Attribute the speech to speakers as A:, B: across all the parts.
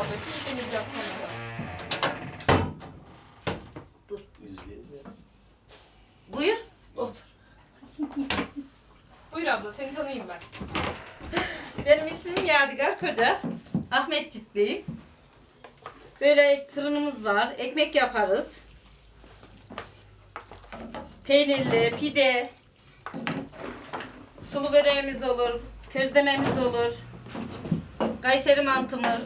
A: abla. Şimdi seni biraz tanıyalım.
B: Buyur.
A: Otur. Buyur abla, seni tanıyayım ben.
B: Benim ismim Yadigar Koca. Ahmetcikliyim. Böyle fırınımız var. Ekmek yaparız. Peynirli, pide, sulu böreğimiz olur, közlememiz olur, Kayseri mantımız.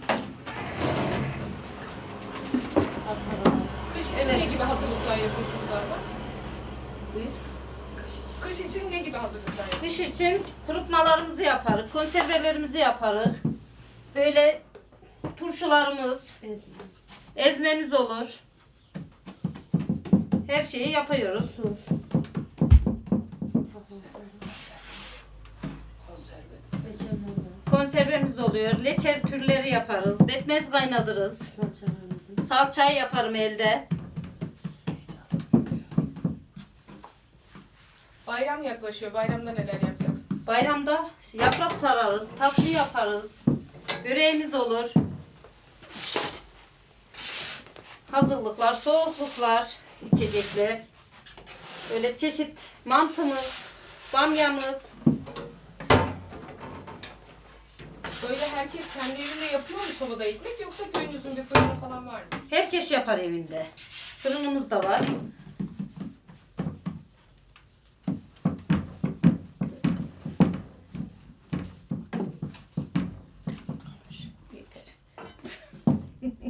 A: Kış için ne gibi hazırlıklar yapıyorsunuz abla?
B: Buyur.
A: Kış için ne gibi hazırlıklar yapıyorsunuz?
B: Kış için kurutmalarımızı yaparız, konservelerimizi yaparız. Böyle turşularımız, ezmemiz olur. Her şeyi yapıyoruz. Konservemiz oluyor. Leçer türleri yaparız. Betmez kaynatırız. Salçayı yaparım elde.
A: Bayram yaklaşıyor. Bayramda neler yapacaksınız?
B: Bayramda yaprak sararız. Tatlı yaparız. Böreğimiz olur. Hazırlıklar, soğukluklar, içecekler. Böyle çeşit mantımız, bamyamız.
A: Böyle herkes kendi evinde yapıyor mu sobada ekmek, yoksa köyünüzün bir fırını falan var mı?
B: Herkes yapar evinde. Fırınımız da var.